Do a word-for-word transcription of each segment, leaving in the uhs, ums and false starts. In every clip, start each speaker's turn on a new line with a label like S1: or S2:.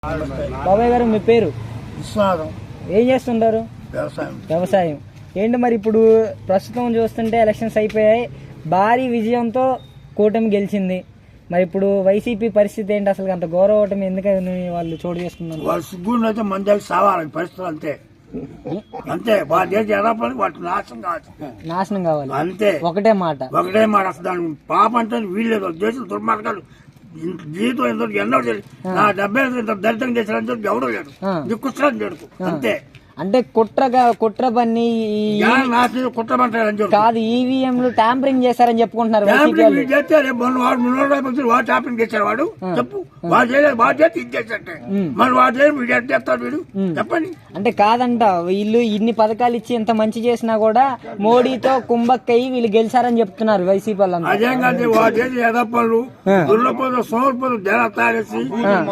S1: బాబాయ్ గారు మీ పేరు?
S2: విశ్వనాథం.
S1: ఏం చేస్తుంటారు?
S2: వ్యవసాయం.
S1: వ్యవసాయం. ఏంటి మరి ఇప్పుడు ప్రస్తుతం చూస్తుంటే ఎలక్షన్స్ అయిపోయాయి, భారీ విజయంతో కూటమి గెలిచింది. మరి ఇప్పుడు వైసీపీ పరిస్థితి ఏంటి? అసలు అంత గౌరవ ఓటమి ఎందుకని వాళ్ళు చోటు చేసుకున్నారు?
S2: వాళ్ళు సిగ్గుండి అయితే మందికి సావాలి పరిస్థితులు అంతే అంతే వాళ్ళ దేశం ఎలా పని వాటి నాశనం కావాలి
S1: నాశనం కావాలి
S2: అంతే.
S1: ఒకటే మాట
S2: ఒకటే మాట. అసలు దాని పాప అంటే వీళ్ళేదో దేశం దుర్మార్గాలు జీవితం ఎంతో ఎన్నో తెలియదు. నా డెబ్బై ఇంత దరిద్రం చేసిన ఎవడో లేడు, దిక్కుస్తాను లేడు అంతే.
S1: అంటే కుట్రగా కుట్ర పని
S2: నాశనం కుట్రమంటారని చెప్పి
S1: కాదు, ఈవీఎంలు ట్యాంపరింగ్ చేశారని చెప్పుకుంటున్నారు.
S2: చేస్తే వాడు వాడు వాడు ట్యాంపరింగ్ చేశారు. వాడు చెప్పు వాడు చేయలేదు, వాడు చేస్తే ఇది చేస్తే మరి వాడు చేయలేదు, వీడు ఎట్ చేస్తాడు వీడు చెప్పండి.
S1: అంటే కాదంట, వీళ్ళు ఇన్ని పథకాలు ఇచ్చి ఇంత మంచి చేసినా కూడా మోడీతో కుంభక్కయ్యి వీళ్ళు గెలిచారని చెప్తున్నారు వైసీపీ వాళ్ళంతా.
S2: అదేం కాదు, వాడు చేసి ఎదపళ్ళు దుర్లపోదు సోర్పదు జనం తాగేసి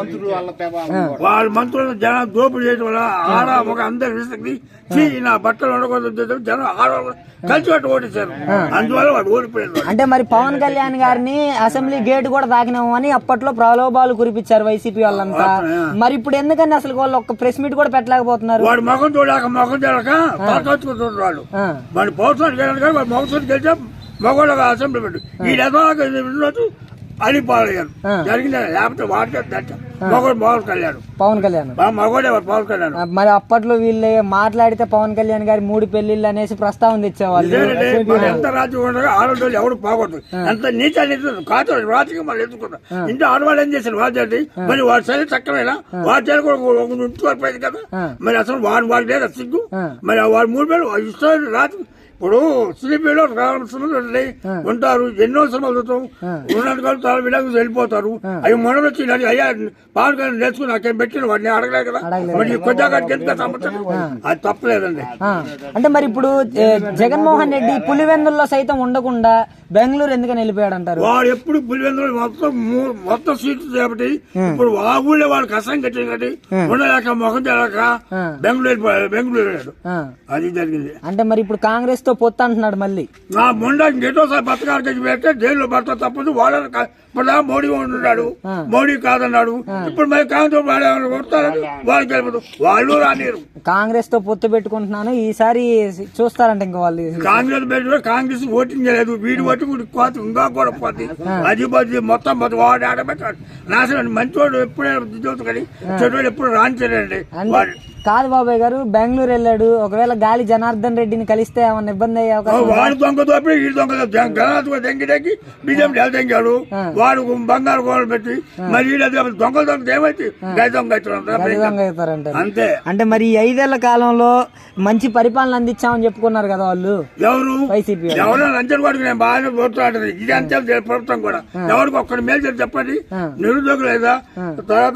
S2: వాళ్ళ మంత్రులు జనం దోపిడీ చేయడం వల్ల ఆడ ఒక అందరు విసిగి నా బట్టలు ఉండకూడదు జనం ఆడవాళ్ళు కలిసి పట్టు ఓటేశారు. అందువల్ల వాడు ఓడిపోయారు.
S1: అంటే మరి పవన్ కళ్యాణ్ గారిని అసెంబ్లీ గేట్ కూడా దాకినాము అని అప్పట్లో ప్రలోభాలు కురిపించారు వైసీపీ వాళ్ళంతా. మరి ఇప్పుడు ఎందుకని అసలు వాళ్ళు ఒక్క ప్రెస్ మీట్ కూడా పెట్టలేకపోతున్నారు?
S2: వాడు మొఖం చూడక మొఖం చూడక తలకొచ్చుకుంటున్నారు. వాడు వాడి పౌరుషానికి వెళ్ళక వాడు మొగసూరు గెలిచా మగవాళ్ళ అసెంబ్లీ పెట్టు ఈ ఎదవాళ్ళకి అడిపాలయ్యారు జరిగింది. లేకపోతే వాడికే మగవాడు పవన్ కళ్యాణ్
S1: పవన్ కళ్యాణ్
S2: మగవాడే పవన్ కళ్యాణ్.
S1: మరి అప్పట్లో వీళ్ళు మాట్లాడితే పవన్ కళ్యాణ్ గారి మూడు పెళ్లిళ్ళు అనేసి ప్రస్తావన తెచ్చేవాళ్ళు.
S2: ఎంత రాజ్యం ఉండగా ఆడవాళ్ళు ఎవడు పోకూడదు, ఎంత నీచ కాదు రాజకీయం వాళ్ళు ఎందుకున్నారు. ఇంట్లో ఆడవాళ్ళు ఏం చేశారు వాడు మరి వాడు సరే చక్కమైనా వాడు చేయాలి కూడా ఉంచుకోకపోయింది కదా. మరి అసలు వాడు వాడు లేదా సిగ్గు. మరి వాడు మూడు పేరు ఇష్టం రాజు. ఇప్పుడు సినిమాలో రావాల్సి ఉంటారు, ఎన్నో సినిమాలు చూస్తాం, ఉన్నట్టు చాలా విడాకులు వెళ్ళిపోతారు. అవి మొన్న వచ్చి అయ్యా పవన్ కళ్యాణ్ నేర్చుకుని నాకేం పెట్టిన వాడిని అడగలేదు కదా. మరి కొద్దిగా ఎంత సమస్య అది తప్పలేదండి.
S1: అంటే మరి ఇప్పుడు జగన్మోహన్ రెడ్డి పులివెందుల్లో సైతం ఉండకుండా బెంగళూరు ఎందుకని వెళ్ళిపోయాడు అంటారు?
S2: వాడు ఎప్పుడు పులివెందులు మొత్తం మొత్తం సీట్లు చేపట్టి ఇప్పుడు ఆ ఊళ్ళో వాడు కష్టం కట్టింది కాబట్టి ఉండలేక మొహం తెలక బెంగళూరు వెళ్ళిపోయాడు. బెంగళూరు వెళ్ళాడు, అది జరిగింది.
S1: అంటే మరి ఇప్పుడు కాంగ్రెస్ తో పొత్తు అంటున్నాడు మళ్ళీ.
S2: నా మొండ ఎటోసారి బతకాలు తెచ్చి పెడితే జైల్లో భర్త తప్పదు. వాళ్ళని ఇప్పుడు మోడీ ఉన్నాడు, మోడీ కాదన్నాడు. ఇప్పుడు మరి కాంగ్రెస్ వాళ్ళు కొడతారని వాళ్ళు గెలపదు, వాళ్ళు రానిరు.
S1: కాంగ్రెస్ తో పొత్తు పెట్టుకుంటున్నాను ఈసారి చూస్తారంట. ఇంకా వాళ్ళు
S2: కాంగ్రెస్ పెట్టుకుని కాంగ్రెస్ ఓటింగ్ చేయలేదు, వీడి ఓటింగ్ కోత ఇంకా కూడా పోతుంది. అది బది మొత్తం వాడు ఆడబెట్టాడు నాశనం. మంచివాడు ఎప్పుడే కానీ చెడు ఎప్పుడు రానిచ్చాడండి.
S1: కాదు బాబాయ్ గారు, బెంగళూరు వెళ్ళాడు, ఒకవేళ గాలి జనార్దన్ రెడ్డిని కలిస్తే ఏమన్నా ఇబ్బంది అయ్యే అవకాశం?
S2: వాడు దొంగ దోపి ఈ దొంగ గణాథ్ దెంగిడెక్కి బీజేపీ తెంగాడు. వాడు బంగారు గోడలు పెట్టి మరి దొంగలు దొంగ ఏమైతే గై దొంగ
S1: అవుతారంట
S2: అంతే.
S1: అంటే మరి ఈ ఐదేళ్ల కాలంలో మంచి పరిపాలన అందించామని చెప్పుకున్నారు కదా వాళ్ళు.
S2: ఎవరు
S1: వైసీపీ
S2: ఎవరైనా లంచం కొడుకు నేను బాగానే పోట్లాడదు. ఇది అంతే ప్రభుత్వం కూడా ఎవరికి ఒక్కడి మేలు చేసి చెప్పండి. నిరుద్యోగులు లేదా తర్వాత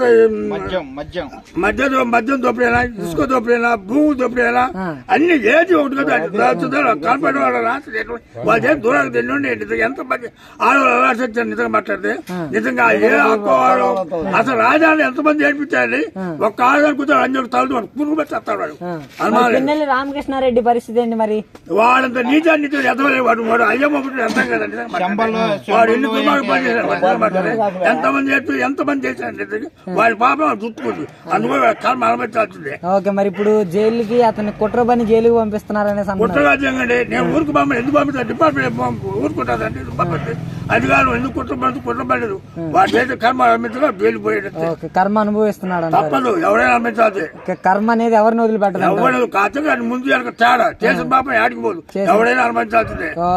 S2: మద్యం మద్యం దోపిడైనా, ఇసుక దోపిడైనా, భూమి దోపిడైనా అన్ని ఏది ఒకటి కదా కాల్పడే వాళ్ళు దూరాలు తెలియండి. ఎంత మంది ఆడవాళ్ళు అలా వచ్చారు నిజంగా మాట్లాడితే. నిజంగా ఏ అక్కవాడు అసలు రాజధాని ఎంతమంది ఏడిపించారండి. ఒక్క ఆడదాని కూర్చొని అన్ని తలదు పురుగు పెట్టేస్తాడు వాడు.
S1: పిన్నెల్లి రామకృష్ణారెడ్డి పరిస్థితి ఏంటి మరి?
S2: వాడంత నీచా నీచు ఎదవలేదు వాడు. వాడు అయ్యమ్మ అర్థం కదండి. వాడు ఎన్ని కుమారు పని చేశాడు, ఎంతమంది చేస్తూ ఎంతమంది చేశాడు. వాడి పాపం చుట్టుకుంది, అందుకని కర్మ అనుమతించాల్సిందే.
S1: ఓకే, మరి ఇప్పుడు జైలుకి అతన్ని కుట్రబని జైలుకి పంపిస్తున్నారనే
S2: కుట్రరాజ్యం అండి. నేను ఊరికి పంప ఎందుకు పంపిస్తాను? డిపార్ట్మెంట్ ఊరుకుంటాదండి. పంపండి అధికారులు ఎందుకు కుట్రపడి కుట్రపడలేదు. వాడు చేసే కర్మ అనుమతిగా జైలు పోయేది.
S1: కర్మ అనుభవిస్తున్నాడు,
S2: తప్పదు. ఎవరైనా అనుమతించాలి.
S1: కర్మ అనేది ఎవరిని వదిలిపెట్టదు.
S2: ఎవరు కాదు ముందు తేడా చేసిన పాపం ఆడికి పోదు. ఎవరైనా అనుమతించాల్సిందే.